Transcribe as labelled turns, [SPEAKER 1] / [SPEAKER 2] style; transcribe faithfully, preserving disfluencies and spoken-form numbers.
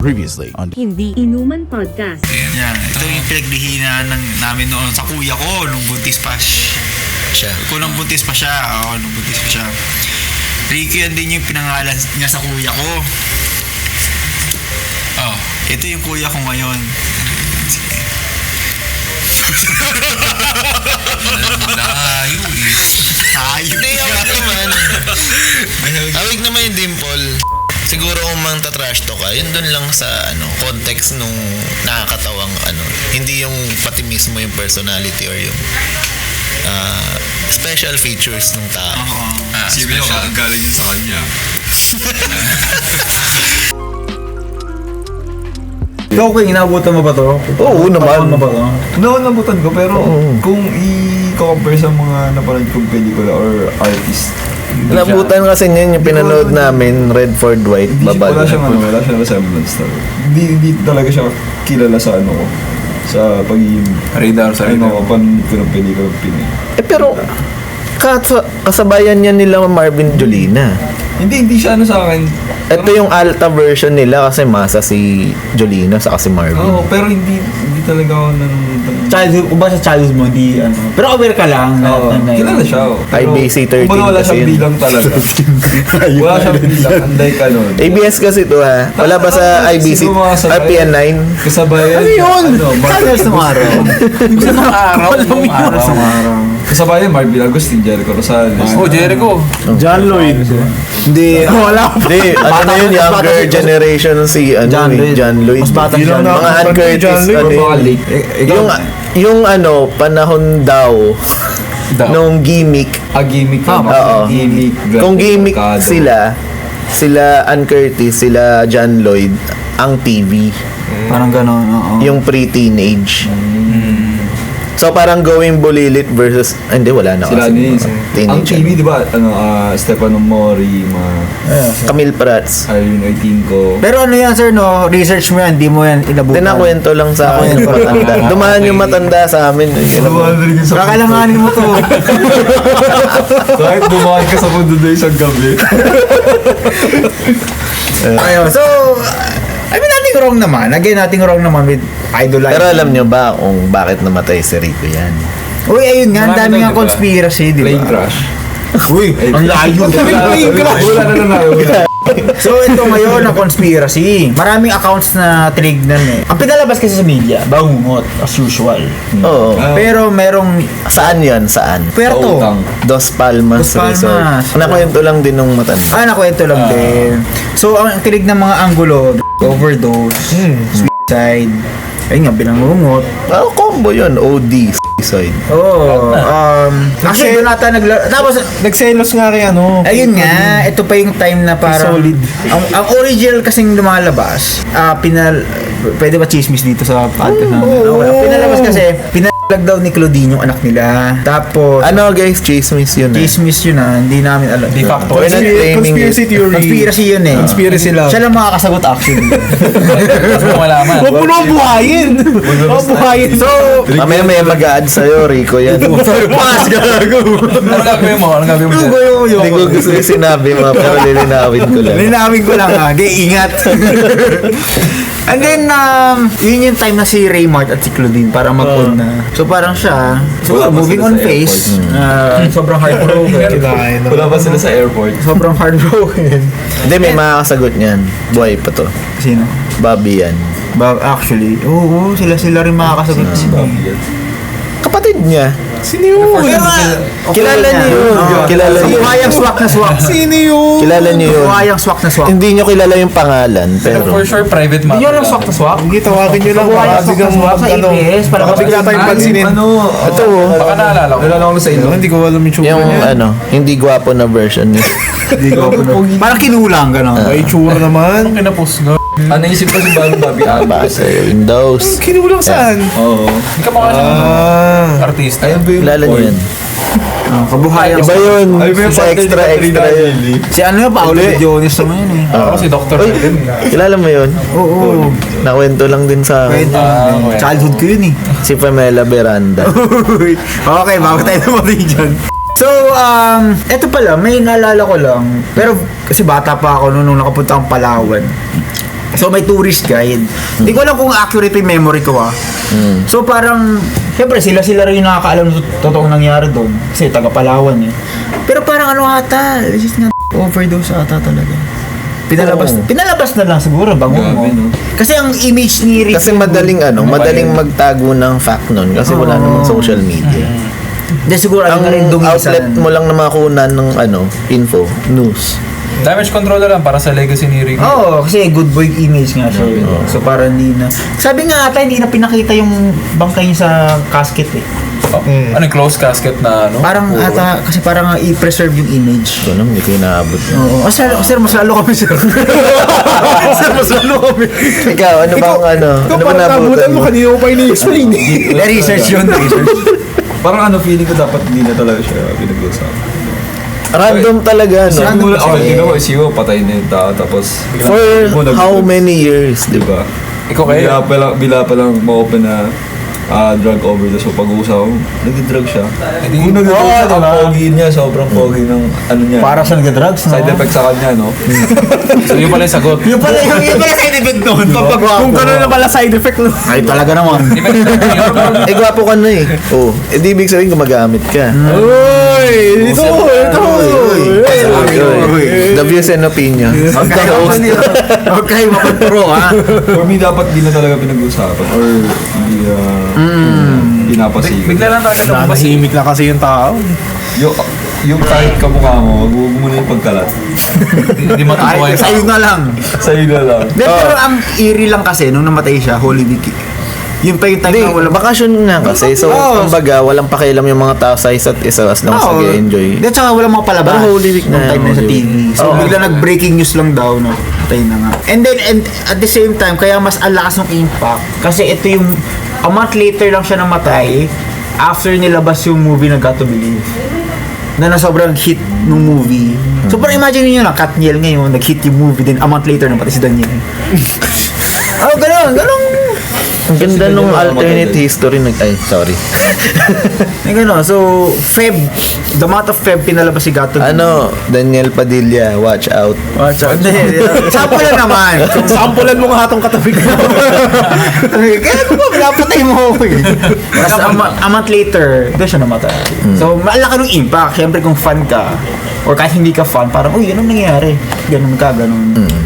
[SPEAKER 1] Previously on
[SPEAKER 2] Hindi Inuman Podcast.
[SPEAKER 3] Yan, ito yung pinagdihinan ng, namin noon sa kuya ko nung buntis pa siya. Kung nung buntis pa siya, oo, nung buntis pa siya. Ricky, yan din yung pinangalan niya sa kuya ko. Oh, ito yung kuya ko ngayon. Layo eh. Tayo.
[SPEAKER 4] Hindi, awig naman. Awig naman yung dimple. Siguro kung mang tatrash to ka, yun dun lang sa ano context nung nakakatawang ano. Hindi yung pati mismo yung personality or yung uh, special features ng tao.
[SPEAKER 3] Oo.
[SPEAKER 5] Ah, Sibili ko, galing yun sa kanya.
[SPEAKER 6] Ikaw, King, inabutan mo ba to?
[SPEAKER 4] Oo naman.
[SPEAKER 6] Mo ba to?
[SPEAKER 7] No, nabutan ko, pero
[SPEAKER 4] Oo.
[SPEAKER 7] kung i-compare sa mga napanood kong pelikula or artist, hindi siya-
[SPEAKER 4] Nabutan kasi niyan yung pinanood namin, Redford White,
[SPEAKER 7] Hindi siya, wala
[SPEAKER 4] babal.
[SPEAKER 7] siyang ano, wala siyang resemblance talaga. Hindi, hindi talaga siya kilala sa ano ko, sa pagiging
[SPEAKER 6] Radar sa
[SPEAKER 7] ano
[SPEAKER 6] radar.
[SPEAKER 7] ko, panood ko ng pelikula ng Pinoy.
[SPEAKER 4] Eh pero, kas- kasabayan niya nila Marvin Jolina.
[SPEAKER 7] Hindi, hindi siya ano sa akin.
[SPEAKER 4] Ito yung alta version nila kasi masa si Jolina sa si Marvin.
[SPEAKER 7] Oo, pero hindi, hindi talaga ako nanonood ng...
[SPEAKER 6] Childhood, kung ba sa childhood mo, di ano. Pero aware ka lang. na-
[SPEAKER 7] Oo,
[SPEAKER 6] na- na-
[SPEAKER 7] kilala siya. oh.
[SPEAKER 4] I B C thirteen
[SPEAKER 7] kumbaga wala
[SPEAKER 4] kasi
[SPEAKER 7] siyang
[SPEAKER 4] yun.
[SPEAKER 7] bilang talaga. Wala siyang bilang, anday ka nun.
[SPEAKER 4] A B S kasi to ha. Wala ba sa I B C?
[SPEAKER 7] Siguro mga sabay-
[SPEAKER 4] R P N nine?
[SPEAKER 7] Kasabayan.
[SPEAKER 6] Ano yun?
[SPEAKER 7] Ano, Marvin
[SPEAKER 6] Kaya sa mga araw. Sa mga araw. Walang araw. Sa mga araw.
[SPEAKER 7] Kasabayan, Marvin Agustin, Jericho Rosales.
[SPEAKER 6] Oh, Jericho.
[SPEAKER 7] John Lloyd.
[SPEAKER 4] Hindi. Wala. Hindi. Ano na yun? Younger generation si ano,
[SPEAKER 6] John
[SPEAKER 4] eh,
[SPEAKER 6] Lloyd.
[SPEAKER 4] John Lloyd.
[SPEAKER 6] Mas bata
[SPEAKER 4] Yung
[SPEAKER 6] John
[SPEAKER 4] mga
[SPEAKER 6] Lloyd.
[SPEAKER 4] Ann Curtis.
[SPEAKER 7] John Lloyd,
[SPEAKER 4] Ano
[SPEAKER 7] or mga
[SPEAKER 4] yun?
[SPEAKER 7] late.
[SPEAKER 6] Eh, ikaw,
[SPEAKER 4] Yung, yung ano, panahon daw, nung gimmick.
[SPEAKER 7] Ah, gimmick
[SPEAKER 6] Ah,
[SPEAKER 7] ka.
[SPEAKER 4] Oo.
[SPEAKER 7] Gimmick.
[SPEAKER 4] Kung gimmick
[SPEAKER 7] Mercado.
[SPEAKER 4] sila, sila Ann Curtis, sila John Lloyd, ang T V.
[SPEAKER 6] parang gano'n, oo.
[SPEAKER 4] Yung pre-teenage. So parang going bulilit versus ah, hindi wala na
[SPEAKER 7] Sila
[SPEAKER 4] kasi
[SPEAKER 7] ni
[SPEAKER 4] mga
[SPEAKER 7] Ang
[SPEAKER 4] teenage.
[SPEAKER 7] T V, di ba? Ano, ah, Stefano Mori, mga
[SPEAKER 4] Camille Prats.
[SPEAKER 7] Irene Oitinco.
[SPEAKER 6] Pero ano yan, sir, no? Research mo yan, di mo yan inabutan.
[SPEAKER 4] Tinakwento lang sa akin yung matanda. Dumaan yung matanda sa amin. Yun ang-
[SPEAKER 6] Kakailanganin mo to.
[SPEAKER 7] Kahit dumaan ka sa mundo na isang gabi.
[SPEAKER 6] Ayun, so, I mean, nothing wrong naman. Again, nothing wrong naman with idolizing.
[SPEAKER 4] Pero alam nyo ba kung bakit namatay si Rico yan?
[SPEAKER 6] Uy, ayun nga, ang
[SPEAKER 7] Marami
[SPEAKER 6] dami
[SPEAKER 7] daw,
[SPEAKER 6] nga
[SPEAKER 7] di ba?
[SPEAKER 6] conspiracy, di ba?
[SPEAKER 7] Plane crash.
[SPEAKER 6] Uy, ang layo. Plane crash.
[SPEAKER 7] Wala na na na.
[SPEAKER 6] So, ito ngayon ang conspiracy. Maraming accounts na tinignan eh. Ang pinalabas kasi sa media, bangungot, as usual.
[SPEAKER 4] Oo.
[SPEAKER 7] Ah.
[SPEAKER 6] Pero merong
[SPEAKER 4] Saan yan? Saan?
[SPEAKER 6] Puerto.
[SPEAKER 7] Utang.
[SPEAKER 4] Dos Palmas,
[SPEAKER 6] Dos Palmas.
[SPEAKER 4] Resort. Nakwento lang din nung matanda.
[SPEAKER 6] Ah, nakwento lang din. So, ang tinig ng mga anggulo, overdose, suicide, ayun nga, binangungot.
[SPEAKER 4] Oh, combo yun. O D, side.
[SPEAKER 6] Oo. um, actually, doon ata nagla... Tapos,
[SPEAKER 7] Nagselos nga kay ano.
[SPEAKER 6] ayun nga, ito pa yung time na parang...
[SPEAKER 7] Solid.
[SPEAKER 6] Ang, ang original kasing lumalabas, ah, pinal... Pwede ba chismis dito sa podcast namin? Okay. Ang pinalabas kasi, pinalag daw ni Claudine yung anak nila. Tapos,
[SPEAKER 4] Ano guys, chismis yun eh.
[SPEAKER 6] chismis yun ah, hindi namin alam.
[SPEAKER 7] De facto.
[SPEAKER 4] We're not claiming
[SPEAKER 7] Conspiracy
[SPEAKER 4] it.
[SPEAKER 7] theory.
[SPEAKER 6] Conspiracy yun eh.
[SPEAKER 7] Conspiracy lang.
[SPEAKER 6] Siya lang makakasagot actually.
[SPEAKER 7] Mas mo malaman. Huwag mo nang buhayin. Huwag mo buhayin.
[SPEAKER 6] So,
[SPEAKER 4] Mamaya may mag-a-add sa'yo, Rico yan.
[SPEAKER 6] pass gago.
[SPEAKER 7] Ano gagawin mo? Ano gagawin mo
[SPEAKER 6] Ano
[SPEAKER 7] dyan?
[SPEAKER 6] ba yung
[SPEAKER 4] Hindi ko gusto yung sinabi mo, pero lilinawin ko lang.
[SPEAKER 6] Linawin ko lang ha. Gaya, ingat. And then, um, yun yung time na si Raymart at si Claudine para mag-on na. So parang siya, so,
[SPEAKER 7] Wala pa
[SPEAKER 6] moving
[SPEAKER 7] sila
[SPEAKER 6] on
[SPEAKER 7] sa
[SPEAKER 6] face, uh, sobrang heartbroken.
[SPEAKER 7] Wala ba sila sa airport?
[SPEAKER 6] sobrang heartbroken.
[SPEAKER 4] Hindi, may makakasagot niyan. Buhay pa to.
[SPEAKER 6] Sino?
[SPEAKER 4] Bobby yan.
[SPEAKER 6] Ba actually, oo, sila sila rin makakasagot.
[SPEAKER 4] Kapatid niya.
[SPEAKER 7] Sino yun?
[SPEAKER 4] Kilala niyo yun.
[SPEAKER 6] Ah.
[SPEAKER 4] Kilala
[SPEAKER 6] Si
[SPEAKER 4] niyo.
[SPEAKER 6] Buhayang swak na swak.
[SPEAKER 7] Sino yun?
[SPEAKER 4] Kilala niyo yun.
[SPEAKER 6] Buhayang swak na swak.
[SPEAKER 4] Hindi niyo kilala yung pangalan, pero...
[SPEAKER 5] For sure, private matter.
[SPEAKER 7] Hindi nyo lang swak na swak? Hindi, tawagin nyo lang.
[SPEAKER 6] Buhayang swak na swak sa A P S. Para
[SPEAKER 7] Baka bigla tayong pansinin. Ano?
[SPEAKER 4] Ito, oh.
[SPEAKER 5] Baka naalala ko.
[SPEAKER 7] Nalala ko na sa ilo. Hindi ko alam yung
[SPEAKER 4] Yung ano, hindi gwapo na version niya.
[SPEAKER 7] Hindi ko alam.
[SPEAKER 6] Parang kinulang gano'n.
[SPEAKER 7] Ay, tsura naman.
[SPEAKER 5] Anong kinapost nga?
[SPEAKER 7] Ah, naisip ko si Bobby Bobby
[SPEAKER 4] Ah,
[SPEAKER 7] Abba.
[SPEAKER 4] baka sa Windows.
[SPEAKER 7] Kinulang saan? Oo.
[SPEAKER 5] Hindi ka mukha ng
[SPEAKER 7] Ah.
[SPEAKER 5] artista.
[SPEAKER 7] Ayun ba yung
[SPEAKER 4] Kilala niyo yan.
[SPEAKER 6] Oh, kabuhayang
[SPEAKER 4] Iba yun.
[SPEAKER 7] Ay, ba yung
[SPEAKER 4] Sa
[SPEAKER 7] partner ni
[SPEAKER 4] extra
[SPEAKER 7] Katrina
[SPEAKER 4] extra yun.
[SPEAKER 7] Aguilera?
[SPEAKER 6] Si ano yun, Paolo Jones naman yun eh.
[SPEAKER 5] Ako si Doctor
[SPEAKER 4] Uy,
[SPEAKER 5] Eden.
[SPEAKER 4] kilala mo yun?
[SPEAKER 6] Oo.
[SPEAKER 4] Nakwento lang din sa akin.
[SPEAKER 6] Pwede.
[SPEAKER 5] Ah, okay.
[SPEAKER 6] Childhood ko yun eh.
[SPEAKER 4] Si Pamela Veranda.
[SPEAKER 6] Okay, bago tayo naman dyan. So, um, eto pala, may naalala ko lang. Pero kasi bata pa ako noon nung nakapunta akong Palawan. So may tourist guide. Hindi ko alam kung accurate yung memory ko ah. So parang, syempre sila-sila rin yung nakakaalam ng tot- totoong nangyari doon. Kasi taga Palawan eh. Pero parang ano ata, just nga overdose ata talaga. Pinalabas,
[SPEAKER 4] Oo.
[SPEAKER 6] pinalabas na lang siguro, bango mo.
[SPEAKER 7] Grabe, no?
[SPEAKER 6] Kasi ang image ni Ricky
[SPEAKER 4] Kasi madaling ano, madaling magtago ng fact nun kasi wala
[SPEAKER 6] Oo.
[SPEAKER 4] namang social media.
[SPEAKER 6] Hindi siguro
[SPEAKER 4] Ang
[SPEAKER 6] ano na rin dumisan.
[SPEAKER 4] outlet mo lang na makunan ng ano, info, news.
[SPEAKER 5] Damage control na lang para sa legacy ni Ricky.
[SPEAKER 6] Oo, kasi good boy image nga siya. eh.
[SPEAKER 4] Oo.
[SPEAKER 6] So parang hindi na. Sabi nga ata hindi na pinakita yung bangkay niya sa casket eh.
[SPEAKER 5] Oh, ano yung close casket na ano?
[SPEAKER 6] Parang
[SPEAKER 5] Puro-
[SPEAKER 6] ata, kasi parang uh, i-preserve yung image.
[SPEAKER 4] Ito naman, hindi ko inaabot.
[SPEAKER 6] Oo. Oh, sir, sir, mas lalo kami, sir. Sir, mas lalo kami.
[SPEAKER 4] Ikaw, ano bang ano? Ano ba nabutan mo?
[SPEAKER 6] kanina mo pa ini-explain eh. research yun, research.
[SPEAKER 7] Parang ano, feeling ko dapat hindi na talaga siya pinag-uusapan.
[SPEAKER 4] Random talaga, no?
[SPEAKER 7] Sabi mo lang,
[SPEAKER 6] kasi-
[SPEAKER 7] okay, tingnan ko, isiyo, patay na yung tao, tapos...
[SPEAKER 4] For
[SPEAKER 7] Mo nag-
[SPEAKER 4] how many years, di ba?
[SPEAKER 7] Diba?
[SPEAKER 5] Ikaw kayo?
[SPEAKER 7] Bila pa lang, bila pa lang ma-open na ah, drug overdose. So pag-uusap ko, nag-drug siya. Kung nag-drug
[SPEAKER 6] Oo,
[SPEAKER 7] siya, ang
[SPEAKER 6] diba?
[SPEAKER 7] pogi niya, sobrang pogi ng ano niya.
[SPEAKER 6] Para sa nag-drugs, no?
[SPEAKER 7] Side effect sa kanya, no?
[SPEAKER 5] So yun pala yung sagot.
[SPEAKER 6] Yung pala, yung, yung pala side effect nun. Kung gano'n na pala side effect nun. Ay, talaga naman.
[SPEAKER 4] Eh, gwapo ka na eh. Oh, eh, di ibig sabihin gumagamit ka.
[SPEAKER 6] Uy! Ito, ito!
[SPEAKER 4] The views and opinions.
[SPEAKER 6] Huwag kayo, huwag kayo mapagpro, ha?
[SPEAKER 7] For me, dapat di na talaga pinag-uusapan or hindi uh, pinapasigaw.
[SPEAKER 5] Bigla lang talaga lumabas.
[SPEAKER 1] Nahimik na kasi yung tao.
[SPEAKER 7] Yung, yung kahit kamukha mo, wag mo muna yung pagkalat.
[SPEAKER 5] Hindi matutuwa
[SPEAKER 6] Ay,
[SPEAKER 5] yung
[SPEAKER 6] sa'yo na lang.
[SPEAKER 7] Sa'yo na lang.
[SPEAKER 6] Then, pero ang eerie lang kasi, nung namatay siya, Holy Week, yun pa yung time
[SPEAKER 4] Hindi,
[SPEAKER 6] na wala
[SPEAKER 4] bakasyon nga kasi. So,
[SPEAKER 6] Oo.
[SPEAKER 4] kumbaga, walang pakialam yung mga tao sa isa't isa as long as
[SPEAKER 6] Oo.
[SPEAKER 4] nag-enjoy.
[SPEAKER 6] Di, tsaka wala mga palabas.
[SPEAKER 4] Parang Holy Week na
[SPEAKER 6] Nung time
[SPEAKER 4] yan,
[SPEAKER 6] na sa
[SPEAKER 4] Holy
[SPEAKER 6] T V.
[SPEAKER 4] Week.
[SPEAKER 6] So,
[SPEAKER 4] Oo.
[SPEAKER 6] bigla nag-breaking news lang daw, no? Patay na nga. And then, and at the same time, kaya mas alakas ng impact. Kasi ito yung, a month later lang siya namatay after nilabas yung movie na Got to Believe. Na na sobrang hit ng movie. So, parang imagine niyo lang, Katniel ngayon, nag-hit yung movie, then a month later, namatay si Daniel. Oh, ganun, ganun.
[SPEAKER 4] Ang ganda
[SPEAKER 7] Kasi
[SPEAKER 4] nung
[SPEAKER 7] ganyan,
[SPEAKER 4] alternate
[SPEAKER 7] matanda.
[SPEAKER 4] history. Nag ay, sorry.
[SPEAKER 6] Yung gano'n. So, Feb, the month of Feb, pinalabas si Gato.
[SPEAKER 4] Ano, Daniel Padilla, watch out.
[SPEAKER 6] Watch out. Sample lang naman.
[SPEAKER 1] Sampulan mo nga itong katabi ko.
[SPEAKER 6] Kaya ko ba, pinapatay mo ako eh. Tapos a, ma- a month later, doon siya namatay. So, malaki ng impact. Siyempre, kung fan ka, or kahit hindi ka fan, parang, uy, anong nangyari? Ganun ka, ganun.